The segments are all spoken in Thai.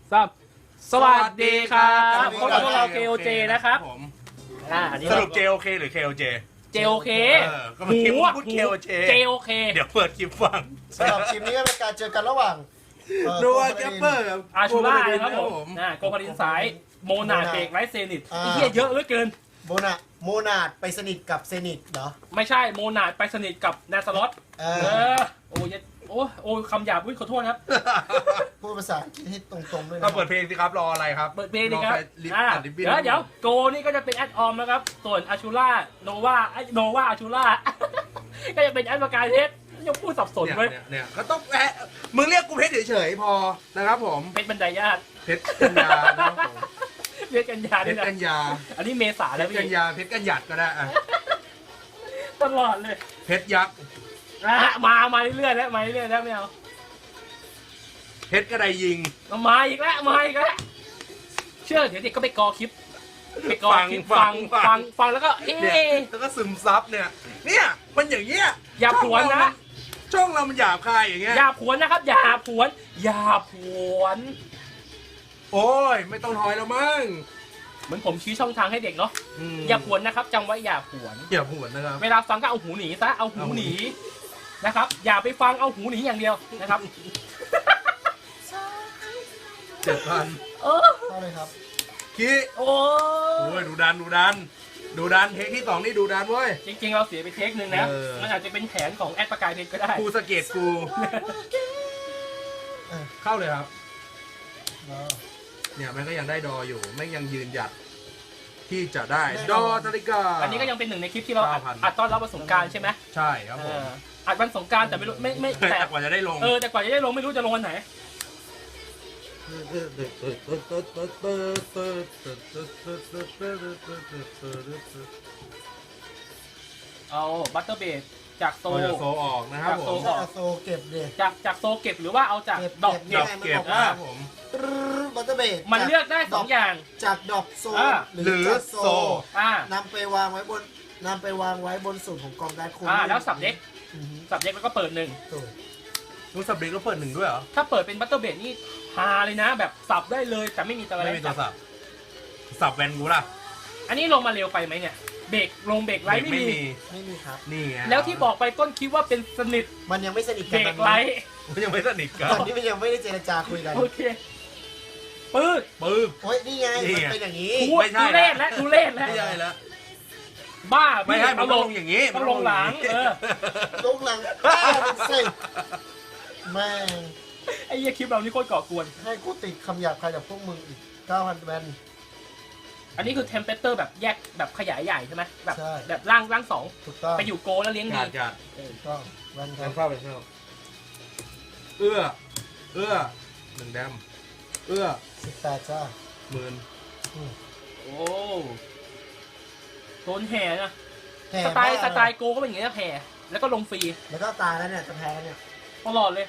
3สวัสดีครับพบกับพวกเรา KOJ นะครับอันนี้สรุป JOK หรือ KOJ JOK ก็เมื่อกี้พูด KOJ JOK เดี๋ยวเปิดคลิปฟังสำหรับคลิปนี้ก็เป็นการเจอกันระหว่างโนวาแกปเปอร์กับอาชูล่านะครับผมโกพารินสายโมนาเบกไรเซนิตไอ้เหี้ยเยอะเหลือเกินโมนาดไปสนิทกับเซนิตเหรอไม่ใช่โมนาดไปสนิทกับนาซาลอตโอ้คำหยาบขอโทษครับพูดภาษาอังกฤษให้ตรงๆด้วยนะก็เปิดเพลงสิครับรออะไรครับเปิดเพลงดีครับเดี๋ยวโกนี่ก็จะเป็นแอดออมนะครับส่วนอาชูล่าโนวาอาชูล่าก็จะเป็นแอดประกายเพชรยังพูดสับสนเลยเนี่ยก็ต้องมึงเรียกกูเพชรเฉยๆพอนะครับผมเพชรบรรดาญาติเพชรกัญญานะครับผมเพชรกัญญาเพชรกัญญาอันนี้เมษาแล้วเพชรกัญญาเพชรกัญหยัดก็ได้ตลอดเลยเพชรยักษ์มาเรื่อยๆแล้วไม่เอาเพชรกระไดยิงมาอีกแล้วเชื่อเดี๋ยวเด็กก็ไปกอคลิปฟังแล้วก็แล้วก็ซึมซับเนี่ยมันอย่างเงี้ยอย่าผวนนะช่องเรามันหยาบคายอย่างเงี้ยอย่าผวนนะครับอย่าผวนโอ้ยไม่ต้องทอยแล้วมั้งเหมือนผมชี้ช่องทางให้เด็กเนาะอย่าผวนนะครับจำไว้อย่าผวนนะครับเวลาฟังก็เอาหูหนีซะเอาหูหนีนะครับอย่าไปฟังเอาหูหนีอย่างเดียวนะครับ 7,000 เข้าเลยครับขี้โอ้ยดูดันเทคที่2นี่ดูดันเว้ยจริงๆเราเสียไปเทคนึงนะมันอาจจะเป็นแผนของแอดประกายเพชรก็ได้กูสะเก็ดกูเข้าเลยครับเนี่ยมันก็ยังได้ดออยู่ไม่ยังยืนหยัดที่จะได้ดอนาฬิกาอันนี้ก็ยังเป็นหนึ่งในคลิปที่เราอัดตอนรับวันสงกรานต์ใช่ไหมใช่ครับผมอัดวันสงกรานต์แต่ไม่รู้ไม่แต่กว่าจะได้ลงแต่กว่าจะได้ลงไม่รู้จะลงวันไหนเอาบัตเตอร์เบดจากโซออกนะครับผมโซเก็บเลยจากโซเก็บหรือว่าเอาจากดอกเก็บนะครับผมบัตเตอร์เบดมันเลือกได้2อย่างจากดอกโซหรือจากโซนำไปวางไว้บนสูตรของกองการคุณแล้วสับเด็กแล้วก็เปิด1 รู้สับเด็กแล้วเปิด1ด้วยเหรอถ้าเปิดเป็นบัตเตอร์เบดนี่ฮาเลยนะแบบสับได้เลยแต่ไม่มีตัวอะไรไม่มีตัวสับแวนกูล่ะอันนี้ลงมาเร็วไปไหมเนี่ยเบรกไลท์ไม่มีครับนี่ไงแล้วที่บอกไปต้นคิดว่าเป็นสนิทมันยังไม่สนิทกันเบรกไลท์มันยังไม่สนิทกันตอนนี้มันยังไม่ได้เจรจาคุยกันโอเคปื้ดโอ้ยนี่ไงมันเป็นอย่างนี้ไม่ใช่ดูเล่นแล้วไม่ใช่แล้วบ้าไม่ให้มันลงอย่างนี้มันลงหลังลงหลังเป็นเส้นแม่ไอ้เหี้ยคลิปเรานี่โคตรก่อกวนให้กูติดคำหยาบคายจากพวกมึงอีก 9,000 แวนอันนี้คือเทมเพเตอร์แบบแยกแบบขยายใหญ่ใช่ไหมแบบร่าง2 ถูกต้องไปอยู่โกแล้วเลี้ยงดีถูกต้องแวนเข้าเอื้อ1แดม 18จ้า 10,000 โอ้โดนแห่นะสไตล์โกก็เป็นอย่างนี้นะแห่แล้วก็ลงฟรีแล้วก็ตายแล้วเนี่ยจะแพ้เนี่ยตลอดเลย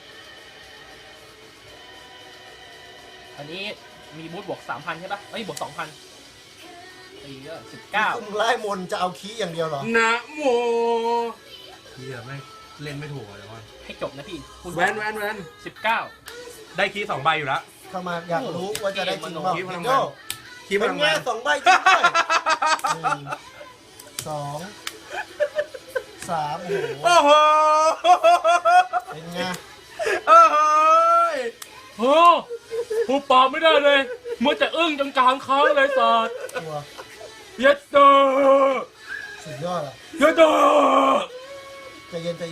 อันนี้มีบูทบวก 3,000 ใช่ปะบวก 2,000ตีก็19 คุณไล่มนจะเอาคีย์อย่างเดียวเหรอนะโมเฮียไม่เล่นไม่ถูกเลยว่าให้จบนะพี่แวน 19 ได้คีย์2ใบอยู่แล้วเข้ามาอยากรู้ว่าจะได้จริงเปล่าคีย์เป็นไง2ใบจริงด้วย2 3โอ้โหเป็นไงหูปอบไม่ได้เลยมัวแต่อึ้งจนกลางค้างเลยสัตว์เย็ดเตอสุดยอดอ่ะเย็ดเตอใจเย็นสะ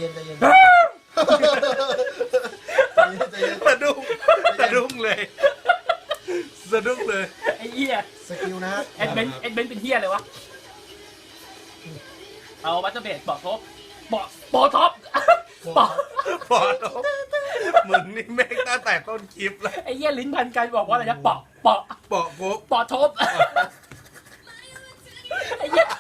ดุ้งเลยไอ้เหี้ยสกิลนะเอ็ดเบนเป็นเหี้ยเลยวะเอาบัตเตอร์เบดปอท็อปมึงนี่แม่งตั้งแต่ต้นคลิปแล้วไอ้เหี้ยลิ้นพันกันบอกว่าอะไรนะปอท็อปไอ้เหี้ย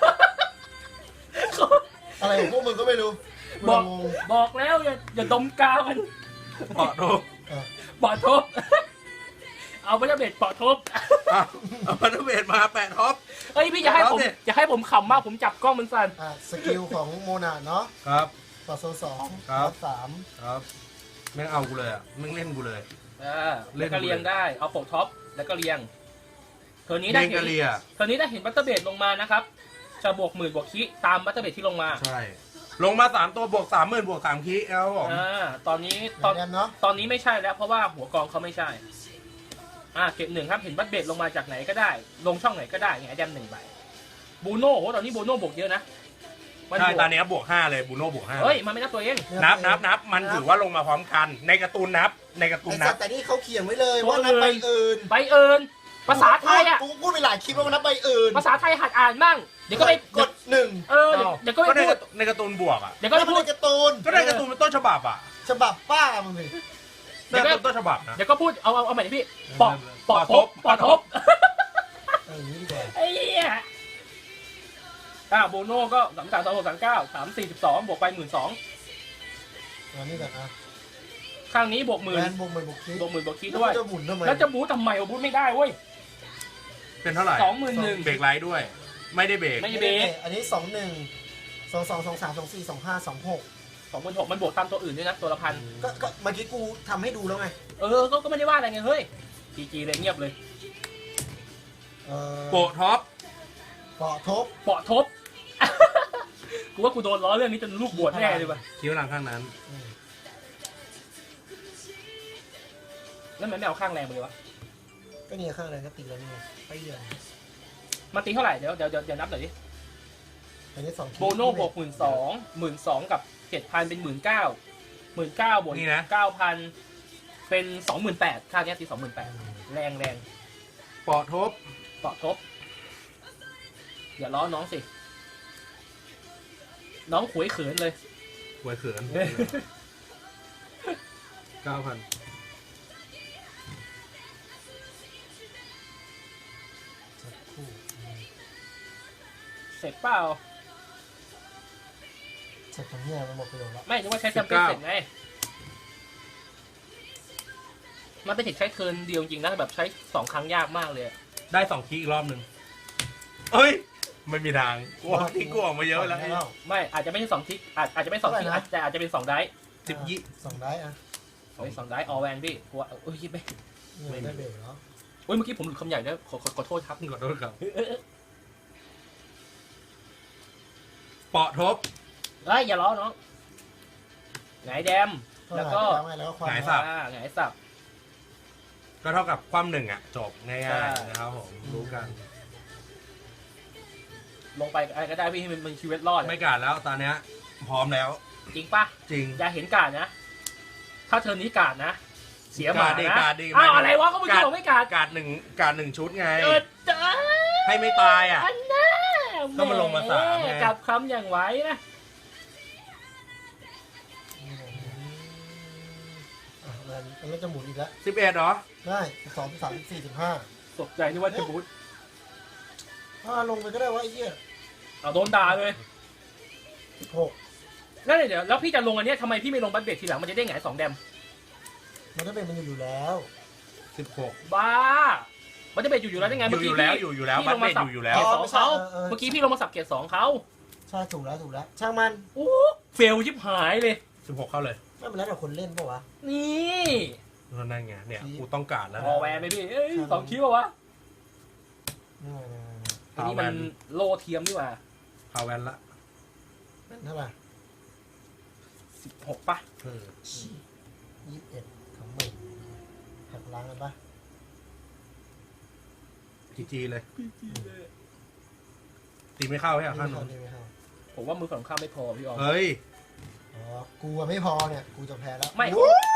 อะไรของพวกมึงก็ไม่รู้บอกแล้วอย่าดมกาวกันปอท็อปเอาบัตเตอร์เบดปอท็อปเอาบัตเตอร์เบดมา8ท็อปพี่อย่าให้ผมขำมากผมจับกล้องมันสั่นสกิลของโมนาเนาะครับต่อโซ2 3ครับแม่งเอากูเลยอ่ะแม่งเล่นกูเลยแล้วก็เรียงได้เอาปกท็อปแล้วก็เรียงเทอร์นี้ได้เรียงกะเลียเทอร์นี้ได้เห็นบัตเตอร์เบดลงมานะครับจะบวก10,000บวกคิตามบัตเตอร์เบดที่ลงมาใช่ลงมา3ตัวบวก30,000บวก3คีครับผมตอนนี้ตอนนี้ไม่ใช่แล้วเพราะว่าหัวกองเขาไม่ใช่เก็บ1ครับเห็นบัตเบดลงมาจากไหนก็ได้ลงช่องไหนก็ได้ไงแดม1ใบบูโน่โหตอนนี้บูโน่บวกเยอะนะใช่ตอนนี้บวก5เลยบูโน่บวก5 เฮ้ยมันไม่นับตัวเองนับมันถือว่าลงมาพร้อมกันในการ์ตูนนับแต่นี่เขาเขียนไว้เลยว่านับใบอื่นภาษาไทยอ่ะกูพูดไปหลายคลิปว่านับใบอื่นภาษาไทยหัดอ่านมั่งเดี๋ยวก็ไปกด1 เดี๋ยวก็ไปพูดในการ์ตูนบวกอ่ะเดี๋ยวก็ไปพูดการ์ตูนก็ได้การ์ตูนเป็นต้นฉบับอ่ะฉบับป้ามึงสิเดี๋ยวก็ต้นฉบับนะเดี๋ยวก็พูดเอาใหม่ดิพี่ปอทบนี่ดีกว่าไอ้เหี้ยโบโน่ก็332639 342บวกไป12,000 นี่แบบข้างนี้บวก10,000 บวก10,000 บวกคิดด้วยแล้วจะบูททำไมบูทไม่ได้เว้ยเป็นเท่าไหร่ 21,000 เบรกไลท์ด้วยไม่ได้เบรกอันนี้21 22 23 24 25 26 มันบวกตามตัวอื่นด้วยนะตัวละพันก็เมื่อกี้กูทำให้ดูแล้วไงก็ไม่ได้ว่าอะไรไงเฮ้ยจีเลยเงียบเลยโปะท็อปเปาะทบกูว่ากูโดนล้อเรื่องนี้จนลูกบวชแน่เลยว่ะคิ้วหลังข้างนั้นแล้วมันไม่เอาข้างแรงไปเลยวะก็เนี่ยข้างแรงก็ตีแล้วนี่ไปเยอะมันตีเท่าไหร่เดี๋ยวนับหน่อยดิอันนี้2 โบโน่บวก12,000กับ 7,000 เป็น 19,000บวก 9,000 เป็น 28,000ค่านี้ตี 28,000 แรงเปาะทบอย่าล้อน้องสิน้องขวยเขินเลยขวยเขิน 9,000 เสร็จเปล่าเสร็จตรงนี้มันหมดประโยชน์แล้วไม่นึกว่าใช้แคมเปญเสร็จไงมันเป็นเทคใช้เทิร์นเดียวจริงนะแบบใช้2ครั้งยากมากเลยได้2คีอีกรอบนึงเอ้ยไม่มีทางกลัวที่กลัวมาเยอะแล้วไม่อาจจะไม่ใช่2ทิกอาจจะไม่2ทิกแต่อาจจะเป็น2ได้ 10ยี่ 2ได้ 2ได้ออแวนพี่กลัวคิดไปไม่ได้เบรกเหรอเมื่อกี้ผมหลุดคำใหญ่ด้วยขอโทษครับขอโทษครับเปาะทบอย่าล้อน้องไงแดมแล้วก็ไงสับก็เท่ากับความ1อ่ะจบง่ายๆนะครับผมรู้กันลงไปอะไรก็ได้พี่ให้มันชีวิตรอดไม่กาดแล้วตอนนี้พร้อมแล้วจริงปะจริงอย่าเห็นกาดนะถ้าเธอนี้กาดนะเสียหมานะอะไรวะก็ไม่บอกไม่กาด 1ชุดไงให้ไม่ตายอ่ะก็มาลงมา3ไงกับคำอย่างไว้นะแล้วจะหมุนอีกแล้ว 11เหรอได้2 3 4 15 ตกใจนี่ว่าจะบูทลงไปก็ได้วะไอ้เหี้ยโดนด่าเลย 16 นั่นเดี๋ยวแล้วพี่จะลงอันนี้ทำไมพี่ไม่ลงบัตเบรกทีหลังมันจะได้ไง2แดมมันจะเป็นมันอยู่แล้ว 16 บ้ามันจะเป็นอยู่แล้วได้ไงอยู่แล้วบัตเบรกอยู่แล้วเขาเมื่อกี้พี่ลงมาสับเกียร์2เขาใช่ถูกแล้วช่างมันเฟลชิบหายเลย 16เข้าเลยไม่เป็นไรแต่คนเล่นป่ะวะนี่นั่นไงเนี่ยกูต้องการแล้วพอแวนไหมพี่2คิวป่ะวะอันนี้มันโลเทียมดีกว่าพาแวนละเป็นเท่าไหร่ 16ป่ะ 21ของมึงหักล้างกันป่ะจีเลยตีไม่เข้าใช่ไหมข้างนู้นผมว่ามือฝั่งข้ามไม่พอพี่ออมเฮ้ยกูไม่พอเนี่ยกูจะแพ้แล้วไม่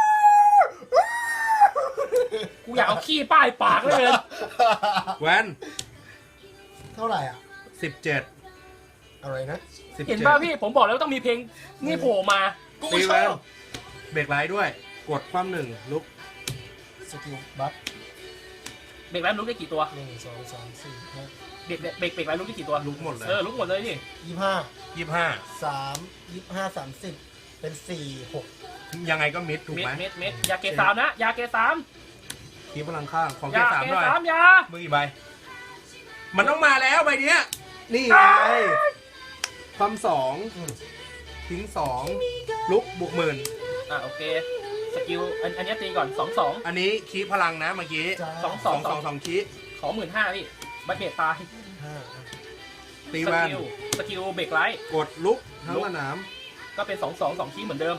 กูอยากเอาขี้ป้ายปากเลยแวนเท่าไหร่อ่ะ 17 อะไรนะเห็นป่ะพี่ผมบอกแล้วต้องมีเพลงนี่โผล่มาตีแวนเบรกไลท์ด้วยกดความ1ลุกสกิลบัฟเบรกไลท์ลุกได้กี่ตัว 1 2 3 4 5 เบรกไลท์ลุกได้กี่ตัวลุกหมดเลยลุกหมดเลยนี่ 25 25 เป็น4 6 ยังไงก็มิดถูกไหมมิดยาเก3นะยาเก3 คีพลังข้างของเก3ด้วยยามือกี่ใบมันต้องมาแล้วใบนี้นี่ไงความ2ทิ้ง2ลุกบวก10,000 โอเคสกิลอันนี้ตีก่อน2-2 อันนี้คีพลังนะเมื่อกี้จ้า 2 คีขอ 15,000พี่บัตเบดตายห้าตีสแวนกิลเบรกไลท์กดลุกทั้งสนามก็เป็น2-2 คีเหมือนเดิม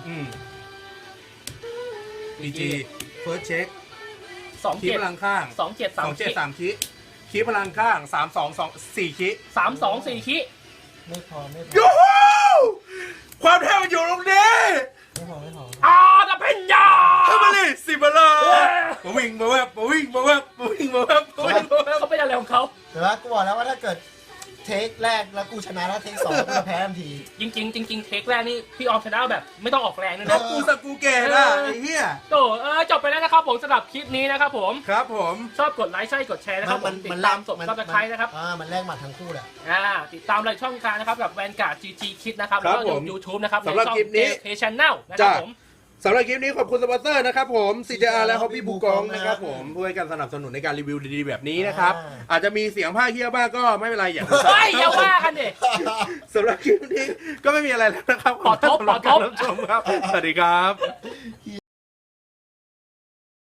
PG First Check 2 คีพลังข้าง 7 3 2 7 3คีคีพลังข้าง3 2 2 4คี 3 2 4 คีไม่พอไม่พอยูฮูความเท่มันอยู่ตรงนี้ไม่พอไม่พอดับเพนยาเข้ามาเลยสิบเลยมาวิ่งมาแวบมาวิ่งมาแวบมาวิ่งมาแวบมาวิ่งมาแวบเขาเป็นอะไรของเขาแต่ว่ากูบอกแล้วว่าถ้าเกิดเทคแรกแล้วกูชนะแล้วเทคสองกูจะแพ้ทันทีจริงเทคแรกนี่พี่ออมชนะแบบไม่ต้องออกแรงเลยแล้นะวกูสกูเกตอ่ะไอ้เหี้ยโตจบไปแล้วนะครับผมสำหรับคลิปนี้นะครับผมครับผมชอบกดไลค์ใช่กดแชร์นะครับผมติดตามสดซับสไครต์นะครับมันแลกหมัดทั้งคู่แหละติดตามรายช่องทางนะครับกับแวนการ์ด GG คิดนะครับแล้วก็ยูทูบนะครับสำหรับคลิปนี้เพจชแนลนะครับผมสำหรับคลิปนี้ขอบคุณสปอนเซอร์นะครับผม CJR และ Hobby บูกองนะครับผมเพื่อให้การสนับสนุนในการรีวิวดีๆแบบนี้นะครับอาจจะมีเสียงภาคเฮี้ยบ้างก็ไม่เป็นไรอย่าเฮ้ยอย่าว่ากันดิสำหรับคลิปนี้ก็ไม่มีอะไรแล้วนะครับขอทบสำหรับการรับชมครับ สวัสดีครับ